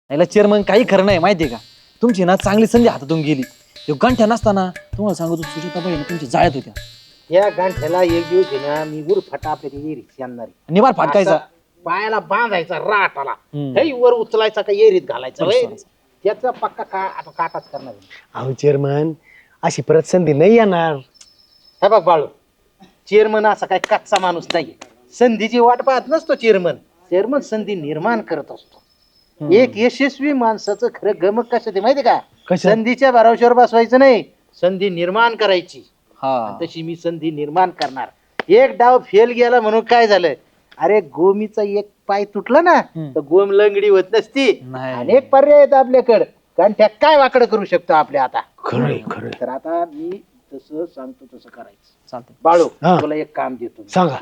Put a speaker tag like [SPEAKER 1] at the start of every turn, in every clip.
[SPEAKER 1] याला चेअरमन काही खरं नाही माहितीये का. तुमची ना चांगली संधी हातातून गेली. गंठ्या नसताना तुम्हाला सांगतो सुजाताबाई तुमच्या जाळ्यात होत्या.
[SPEAKER 2] या गांठ्याला एक दिवस आहे ना मी वर फटा आपल्या येरीत आणणार
[SPEAKER 1] निवार फाटकायचा.
[SPEAKER 2] पायाला बांधायचा राटाला हे वर उचलायचा का येरीत घालायचा त्याचा पक्का आता काटाच करणार.
[SPEAKER 3] अहो चेअरमन अशी परत संधी नाही येणार.
[SPEAKER 2] हे बघ बाळू, चेअरमन असा काय कच्चा माणूस नाही. संधीची वाट पाहत नसतो चेअरमन. चेअरमन संधी निर्माण करत असतो. एक यशस्वी माणसाचं खरं गमक कसं ते माहिती का. संधीच्या भरवशावर बसवायचं नाही, संधी निर्माण करायची. तशी मी संधी निर्माण करणार. एक डाव फेल गेला म्हणून काय झालं, अरे गोमीचा एक पाय तुटला ना तर गोम लंगडी होत नसती. अनेक पर्याय आहेत आपल्याकडे, कारण त्या काय वाकड करू शकतो आपल्या आता.
[SPEAKER 3] खरंय खरं.
[SPEAKER 2] तर आता मी तसं सांगतो तसं करायचं.
[SPEAKER 1] चालतंय.
[SPEAKER 2] बाळू तुला एक काम देतो.
[SPEAKER 3] सांगा.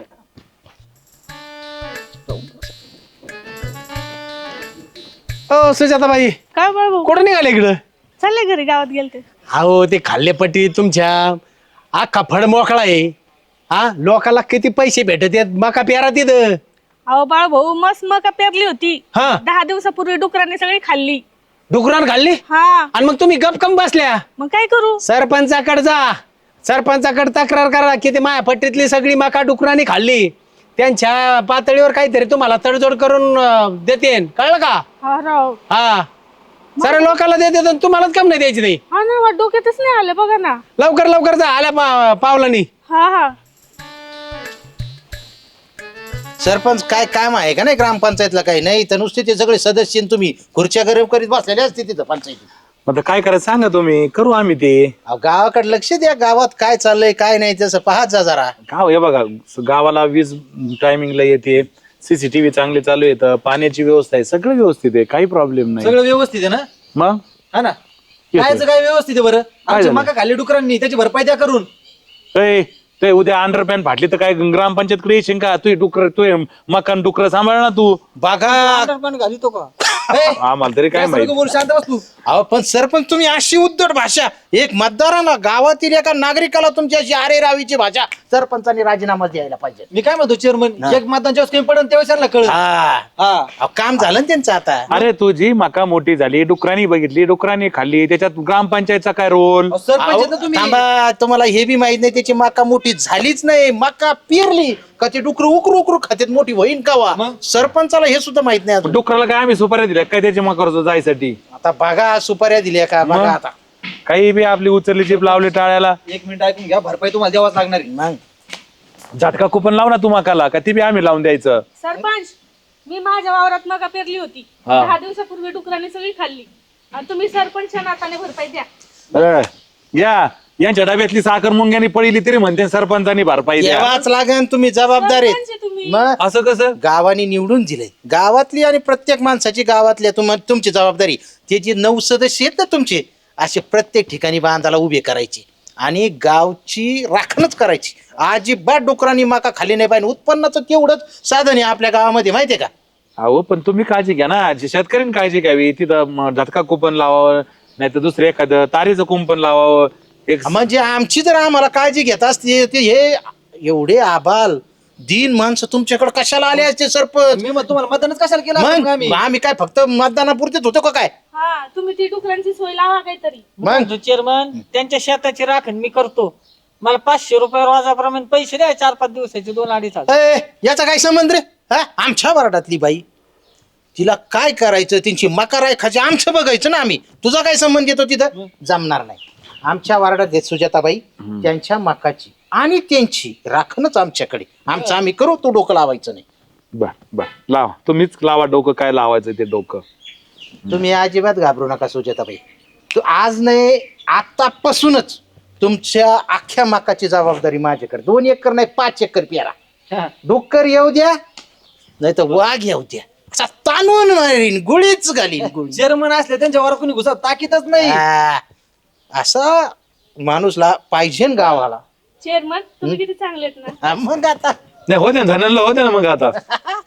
[SPEAKER 3] ओ सुजाताबाई
[SPEAKER 4] काय बाबू
[SPEAKER 3] कुठं निघाले इकडं?
[SPEAKER 4] चालले घरी, गावात गेलते.
[SPEAKER 3] अहो ते खाल्लेपट्टी तुमच्या अख्खा फड मोकळा आहे. हा लोकाला किती पैसे भेटत आहेत मका पेरा तिथं.
[SPEAKER 4] अहो बाळ भाऊ, मस्त मका पेरली होती.
[SPEAKER 3] हा
[SPEAKER 4] 10 दिवसापूर्वी डुकरांनी सगळी खाल्ली.
[SPEAKER 3] डुकरान खाल्ली
[SPEAKER 4] हा
[SPEAKER 3] आणि मग तुम्ही गपकम बसल्या.
[SPEAKER 4] मग काय करू.
[SPEAKER 3] सरपंचाकडे जा, सरपंचाकडे तक्रार करा की ते माया पट्टीतली सगळी मका डुकरांनी खाल्ली. त्यांच्या पातळीवर काहीतरी तुम्हाला तडजोड करून देते, कळलं का.
[SPEAKER 4] हा राव.
[SPEAKER 3] हा साऱ्या लोकांना देते, तुम्हालाच कम नाही द्यायची नाही.
[SPEAKER 4] हा ना, डोक्यातच नाही आलं बघा ना.
[SPEAKER 3] लवकर लवकर जा, आल्या पावलानी.
[SPEAKER 4] हा हा.
[SPEAKER 2] सरपंच काय काम आहे का नाही ग्रामपंचायतला? काही नाही तर नुसते ते सगळे सदस्य आणि तुम्ही खुर्च्या गरम करीत बसलेले असते तिथं पंचायतीत.
[SPEAKER 5] आता काय करायचं सांगा तुम्ही, करू आम्ही ते.
[SPEAKER 2] अहो, गावाकडे लक्ष द्या, गावात काय चाललंय काय नाही तसं पाहत जा जरा.
[SPEAKER 5] गाव हे बघा, गावाला वीज टायमिंगला येते, सीसीटीव्ही चांगले चालू येतं, पाण्याची व्यवस्था आहे, सगळं व्यवस्थित आहे, काही प्रॉब्लेम नाही.
[SPEAKER 1] सगळं व्यवस्थित आहे ना.
[SPEAKER 5] मग
[SPEAKER 1] हा ना. कायचं काय व्यवस्थित आहे बरं. आमच्या
[SPEAKER 5] झालं?
[SPEAKER 1] मका खाल्ली डुकरांनी, त्याची भरपाई द्या करून.
[SPEAKER 5] ते उद्या अंडरपॅन फाटली तर काय ग्रामपंचायतकडे येशील का? तू डुकर, तू मकान डुकर सांभाळ ना तू.
[SPEAKER 2] बघा
[SPEAKER 1] पण घाली तो का.
[SPEAKER 5] आम्हाला तरी काय
[SPEAKER 1] जास्त
[SPEAKER 5] माहिती.
[SPEAKER 1] नको बोलू, शांत बस तू.
[SPEAKER 2] अहो पण सरपंच तुम्ही अशी उद्धट भाषा, एक मतदाराला गावातील एका नागरिकाला तुमची अशी आरे रावीची भाषा सरपंचांनी राजीनामा द्यायला पाहिजे.
[SPEAKER 1] मी काय म्हणतो चेअरमन, एक मतदान जेव्हा कमी पडेल तेव्हा त्यांना कळलं.
[SPEAKER 2] हा अहो, काम झालं ना त्यांचं आता.
[SPEAKER 5] अरे तुझी मका मोठी झाली, डुकरांनी बघितली, डुकरांनी खाल्ली, त्याच्यात ग्रामपंचायतचा काय रोल?
[SPEAKER 1] अहो, सरपंच आहेत ना तुम्ही.
[SPEAKER 2] थांबा, तुम्हाला हे बी माहित नाही त्याची मका मोठी झालीच नाही, मका पेरली का ते डुकरू उकरू उकरू खात्यात मोठी होईन कावा.
[SPEAKER 1] मग?
[SPEAKER 2] सरपंचाला हे सुद्धा माहित नाही अजून.
[SPEAKER 5] डुकराला काय आम्ही सुपाऱ्या दिल्या काय त्याच्या मकावर जायसाठी?
[SPEAKER 2] आता बघा सुपाऱ्या दिल्या का बघा आता.
[SPEAKER 5] काही बी आपली उचलली चिप लावली टाळ्याला.
[SPEAKER 1] 1 मिनिट ऐकून घ्या, भरपाई तुम्हाला द्यावाच लागणार आहे.
[SPEAKER 2] मग
[SPEAKER 5] झटका कुपन लाव ना तू मकाला, का ती बी आम्ही लावून द्यायचं?
[SPEAKER 4] सरपंच, मी माझ्या वावरात मका पेरली होती. 10 दिवसापूर्वी डुकरांनी सगळी खाल्ली. आणि तुम्ही सरपंचच्या नाताने भरपाई द्या.
[SPEAKER 5] या यांच्या डब्यातली साखर मुंग्यानी पडली तरी म्हणते सरपंचानी भरपाई द्या.
[SPEAKER 2] द्यावाच लागेल, तुम्ही जबाबदार
[SPEAKER 4] सरपंच
[SPEAKER 2] आहेत.
[SPEAKER 4] आहे तुम्ही.
[SPEAKER 2] मग
[SPEAKER 5] असं कसं?
[SPEAKER 2] गावाने निवडून दिलंय, गावातली आणि प्रत्येक माणसाची गावातल्या तुमची जबाबदारी. ते जे 9 सदस्य आहेत ना तुमचे, असे प्रत्येक ठिकाणी बांधाला उभे करायचे आणि गावची राखणच करायची. अजिबात डुकरांनी मका खाली नाही पाहिजे. उत्पन्नाचं तेवढंच साधन आहे आपल्या गावामध्ये, माहितीये का.
[SPEAKER 5] अहो पण तुम्ही काळजी घ्या ना, शेतकऱ्यांनी काळजी घ्यावी. तिथं झटका कुपन लावावं, नाही तर दुसरं एखादं तारेचं कुंपण लावावं.
[SPEAKER 2] म्हणजे आमची जर आम्हाला काळजी घेत असते ते हे एवढे आबाल दीन माणसं तुमच्याकडे कशाला आले असते सरपंच?
[SPEAKER 1] मी मग तुम्हाला मतदानच कशाला केलं असतं
[SPEAKER 2] मग
[SPEAKER 1] आम्ही?
[SPEAKER 2] आम्ही काय फक्त मतदानापुरतेच होतो का काय?
[SPEAKER 4] हा, तुम्ही ती डुकरांची सोय लावा काहीतरी.
[SPEAKER 2] मग
[SPEAKER 6] चेअरमन, त्यांच्या शेताची राखण मी करतो. मला 500 रुपये रोजाप्रमाणे पैसे द्या, 4-5 दिवसाचे, 2-2.5
[SPEAKER 2] ए, याचा काय संबंध रे? हा, आमच्या वार्डातली बाई, तिला काय करायचं, त्यांची मका राखायची आमचं बघायचं ना आम्ही. तुझा काय संबंध येतो तिथं? जमणार नाही. आमच्या वार्डात आहेत सुजाताबाई, त्यांच्या मकाची आणि त्यांची राखणच आमच्याकडे. आमचं आम्ही करू, तू डोकं लावायचं नाही.
[SPEAKER 5] बर लावा, तुम्हीच लावा डोकं, काय लावायचं ते डोकं.
[SPEAKER 2] तुम्ही अजिबात घाबरू नका सुजाताबाई. तू आज नाही आतापासूनच तुमच्या अख्ख्या मकाची जबाबदारी माझ्याकडे. 2 एकर नाही 5 एकर पेरा. डुक्कर येऊ द्या नाही तर वाघ येऊ द्या, असा ताणून मारीन, गोळीच घालीन गोळी.
[SPEAKER 1] चेअरमन असले त्यांच्यावर कोणी घुसा ताकीतच नाही.
[SPEAKER 2] हा, असा माणूसला पाहिजे न गावाला.
[SPEAKER 4] चेअरमन, तुम्ही किती चांगले आहेत ना.
[SPEAKER 2] हा, मग आता
[SPEAKER 5] नाही होते ना, धनला होते ना मग आता.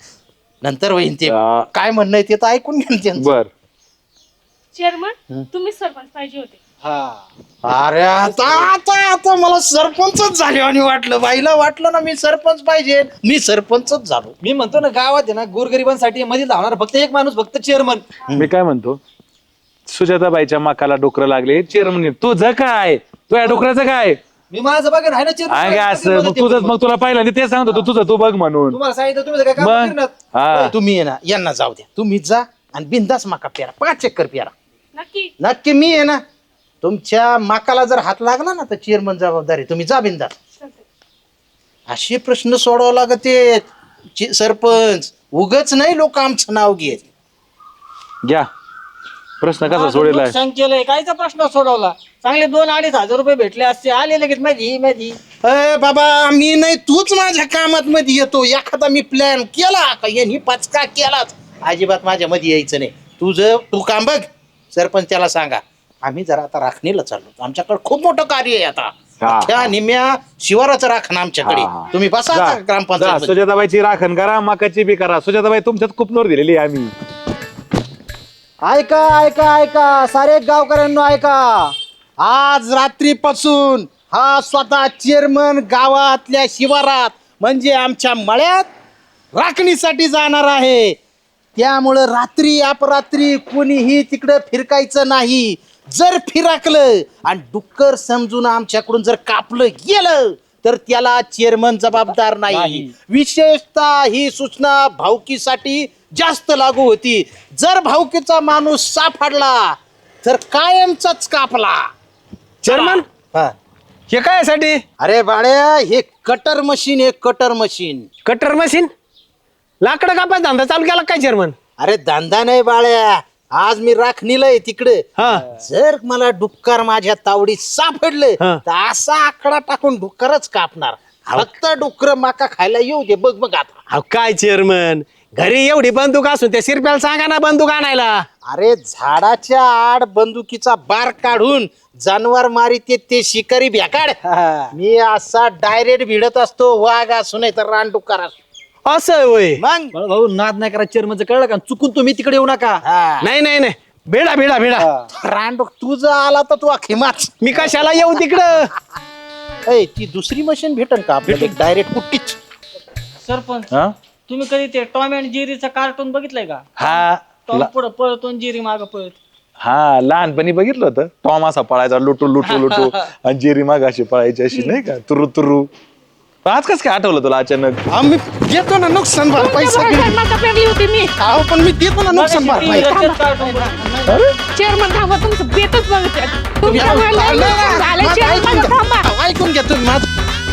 [SPEAKER 2] नंतर होईन ते काय म्हणणं आहे ते तर ऐकून घ्या त्यांचं.
[SPEAKER 5] बर
[SPEAKER 4] चेअरमन, तुम्हीच सरपंच पाहिजे होते.
[SPEAKER 2] अरे आता मला सरपंचच झाले आणि वाटलं बाईला वाटलं ना मी सरपंच पाहिजे, मी सरपंचच झालो.
[SPEAKER 1] मी म्हणतो ना गावात आहे ना गोरगरिबांसाठी मध्ये धावणार फक्त एक माणूस, फक्त चेअरमन.
[SPEAKER 5] मी काय म्हणतो, सुजाताबाईच्या माकाला डोकरं लागले, चेअरमन तुझं काय, तुझ्या डोकराचं काय?
[SPEAKER 1] मी माझं बघा आहे ना
[SPEAKER 5] आहे का असं? मग तुझं,
[SPEAKER 1] चेअरमन.
[SPEAKER 5] मग तुला पाहिलं ते सांगत होतो तुझं तू बघ म्हणून.
[SPEAKER 1] तुम्हाला सांगितलं तुम्ही काय काम
[SPEAKER 5] मग
[SPEAKER 1] करणार?
[SPEAKER 5] हा
[SPEAKER 2] तुम्ही आहे ना यांना जाऊ द्या, तुम्ही जा आणि बिंदास माका पेरा, 5 एकर पेरा.
[SPEAKER 4] नक्की
[SPEAKER 2] नक्की मी आहे ना, तुमच्या माकाला जर हात लागला ना तर चेअरमन जबाबदारी, तुम्ही जा बिंदास. असे प्रश्न सोडावं लागते सरपंच, उगच नाही लोक आमचं नाव घेत.
[SPEAKER 5] घ्या प्रश्न कसा
[SPEAKER 6] माझं
[SPEAKER 5] सोडेला
[SPEAKER 6] नुकसान केलंय, कायचा प्रश्न सोडवला? चांगले 2-2.5 हजार रुपये भेटले असते, आले लगेच माझी.
[SPEAKER 2] अय बाबा मी नाही, तूच माझ्या कामात मध्ये येतो. एखादा मी प्लॅन केला का यांनी पचका केलाच, अजिबात माझ्या मध्ये यायचं नाही. तू काम बघ, सरपंच त्याला सांगा आम्ही जरा आता राखणीला चाललो, आमच्याकडे खूप मोठं कार्य आहे आता.
[SPEAKER 5] हा.
[SPEAKER 2] त्या निम्या शिवाराचं राखण आमच्याकडे. तुम्ही बसा आता ग्रामपंचायत.
[SPEAKER 5] सुजाताबाईची राखण करा, माकाची बी करा. सुजाताबाई तुमच्यात खूप नोर दिलेली आहे आम्ही.
[SPEAKER 2] ऐका ऐका ऐका सारे गावकऱ्यांनो ऐका, आज रात्रीपासून हा स्वतः चेअरमन गावातल्या शिवारात म्हणजे आमच्या मळ्यात राखणीसाठी जाणार आहे. त्यामुळं रात्री अपरात्री कोणीही तिकडे फिरकायचं नाही. जर फिरकलं आणि डुक्कर समजून आमच्याकडून जर कापलं गेलं तर त्याला चेअरमन जबाबदार नाही. विशेषतः ही सूचना भाऊकीसाठी जास्त लागू होती. जर भाऊकीचा माणूस सापडला तर कायमचाच कापला.
[SPEAKER 3] चेअरमन
[SPEAKER 2] हा.
[SPEAKER 3] हे काय साठी?
[SPEAKER 2] अरे बाळ्या, हे कटर मशीन आहे, कटर मशीन.
[SPEAKER 3] Cutter machine? लाकडं कापायचा धंदा चालू केला काय चेअरमन?
[SPEAKER 2] अरे धंदा नाही बाळ्या, आज मी राखणीला आहे तिकडे.
[SPEAKER 3] हा.
[SPEAKER 2] जर मला डुक्कर माझ्या तावडीत सापडले
[SPEAKER 3] हा.
[SPEAKER 2] तर असा आकडा टाकून डुक्करच कापणार. फक्त डुक्कर माका खायला येऊ दे. बघ बघ आता.
[SPEAKER 3] अहो काय चेअरमन, घरी एवढी बंदूक असून त्या शिरप्याला सांगा ना बंदूक आणायला.
[SPEAKER 2] अरे झाडाच्या आड बंदुकीचा बार काढून जानवर मारित ते शिकारी भ्याकाड. मी असा डायरेक्ट भिडत असतो, वाघ असू नाही तर रानडुक्कर असू.
[SPEAKER 3] असं होय?
[SPEAKER 2] मग
[SPEAKER 1] भाऊ नाद नाही करा चेअरमनचं, कळलं का? चुकून तुम्ही तिकडे येऊ नका.
[SPEAKER 2] हा.
[SPEAKER 3] नाही नाही नाही, भेडा भेडा भेडा.
[SPEAKER 2] रानडुक तुझा आला तर तू अखिमाच.
[SPEAKER 3] मी कशाला येऊ तिकडं?
[SPEAKER 2] ऐ, ती दुसरी मशीन भेटन का आपल्याला डायरेक्ट कुट्टीच?
[SPEAKER 6] सरपंच,
[SPEAKER 5] हा?
[SPEAKER 6] तुम्ही कधी ते टॉम अँड जेरीचं कार्टून बघितलंय का?
[SPEAKER 5] हा
[SPEAKER 6] टॉम पुढे पळतो आणि जेरी मागं पळत.
[SPEAKER 5] हा लहानपणी बघितलं होतं. टॉम असा पळायचा लुटू लुटू लुटू आणि जेरी माग अशी पळायची अशी नाही का, तुरु तुरु. आज कस काय आठवलं तुला अचानक?
[SPEAKER 2] आम्ही देतो ना नुकसान भरपाई सगळी.
[SPEAKER 4] मका पेरली होती मी.
[SPEAKER 2] अहो, पण मी देतो ना नुकसान भरपाई.
[SPEAKER 4] चेअरमन थांबा, तुमचं बेतच बघते.
[SPEAKER 2] तुम्ही
[SPEAKER 4] तुमचं
[SPEAKER 2] ऐकून
[SPEAKER 4] झालं,
[SPEAKER 2] घ्या.
[SPEAKER 4] झालं,
[SPEAKER 2] माझं
[SPEAKER 4] चेअरमन
[SPEAKER 2] ऐकून घ्या.
[SPEAKER 4] थांबा.
[SPEAKER 2] अहो, ऐकून घ्या तुम्ही माझं.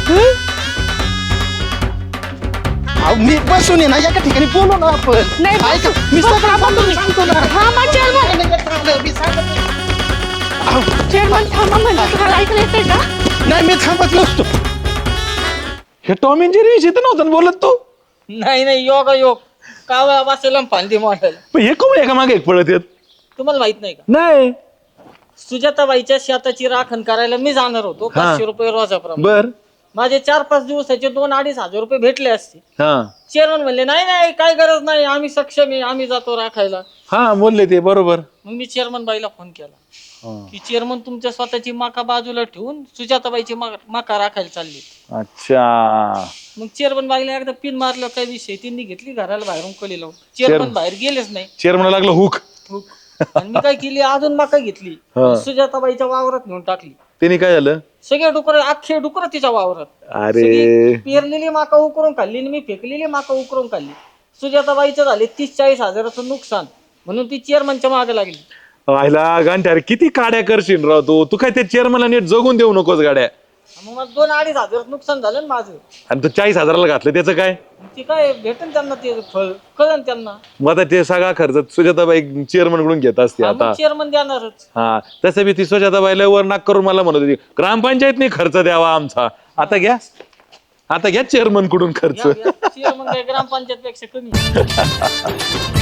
[SPEAKER 2] अहो, मी बसून आहे ना एका ठिकाणी बोलू ना आपण.
[SPEAKER 4] नाही,
[SPEAKER 2] ऐका, मी सगळं बोलून सांगतो ना.
[SPEAKER 4] थांबा चेअरमन.
[SPEAKER 2] मी सांगतो.
[SPEAKER 4] चेअरमन थांबा म्हणजे तुम्हाला ऐकलं येतंय का?
[SPEAKER 2] नाही, मी थांबत नसतो.
[SPEAKER 5] हे टॉम अँड जेरी विषयी तर नव्हतं ना बोलत तू.
[SPEAKER 6] नाही योग कावळा बसेल फांदी मॉडेल.
[SPEAKER 5] पण हे कोण एका मागे एक पळत येत?
[SPEAKER 6] तुम्हाला माहित नाही का?
[SPEAKER 5] नाही.
[SPEAKER 6] सुजाताबाईच्या शेताची राखण करायला मी जाणार होतो, 500 रुपये रोजाप्रमाणे.
[SPEAKER 5] बर.
[SPEAKER 6] माझे 4-5 दिवसाचे 2-2.5 हजार रुपये भेटले असते.
[SPEAKER 5] हा
[SPEAKER 6] चेअरमन म्हणले नाही काय गरज नाही, आम्ही सक्षम आहे, आम्ही जातो राखायला.
[SPEAKER 5] हा बोलले ते बरोबर.
[SPEAKER 6] मग मी चेअरमन बाईला फोन केला की चेअरमन तुमच्या स्वतःची माका बाजूला ठेवून सुजाताबाईची माका राखायला चालली.
[SPEAKER 5] अच्छा.
[SPEAKER 6] मग चेअरमन बाईला एकदा पिन मारलं, काय विषय, त्यांनी घेतली घराला बाहेरून कली लावून. चेअरमन बाहेर गेलेच नाही.
[SPEAKER 5] चेअरमन लागलं हुक.
[SPEAKER 6] आणि मी काय केली, अजून माका घेतली,
[SPEAKER 5] हा.
[SPEAKER 6] सुजाताबाईच्या वावरात नेऊन टाकली.
[SPEAKER 5] त्यांनी काय झालं?
[SPEAKER 6] सगळे डुकर, अख्खे डुकर तिच्या वावरात.
[SPEAKER 5] अरे
[SPEAKER 6] सगळी पेरलेली माका उकरून खाल्ली आणि मी फेकलेली माका उकरून खाल्ली. सुजाताबाईचं झाले 30-40 हजाराचं नुकसान, म्हणून ती चेअरमनच्या मागे लागली.
[SPEAKER 5] व्हायला गांठ्यार किती काड्या करशील राव तू काय त्या चेअरमनला नीट जगून देऊ नकोस गाड्या.
[SPEAKER 6] मग मला 2-2.5 हजार नुकसान झालं ना माझं.
[SPEAKER 5] आणि तू 40,000ला घातलं त्याचं काय?
[SPEAKER 6] ते काय भेटेल त्यांना, ते फळ कळन त्यांना.
[SPEAKER 5] मग आता ते सगळा खर्च सुजाताबाई चेअरमन कडून घेत असते आता.
[SPEAKER 6] चेअरमन देणारच.
[SPEAKER 5] हा तसं बी ती सुजाताबाईला वर नाक करून मला म्हणत होती ग्रामपंचायतने खर्च द्यावा आमचा. आता घ्या चेअरमन कडून खर्च.
[SPEAKER 6] चेअरमन काय ग्रामपंचायत पेक्षा कमी.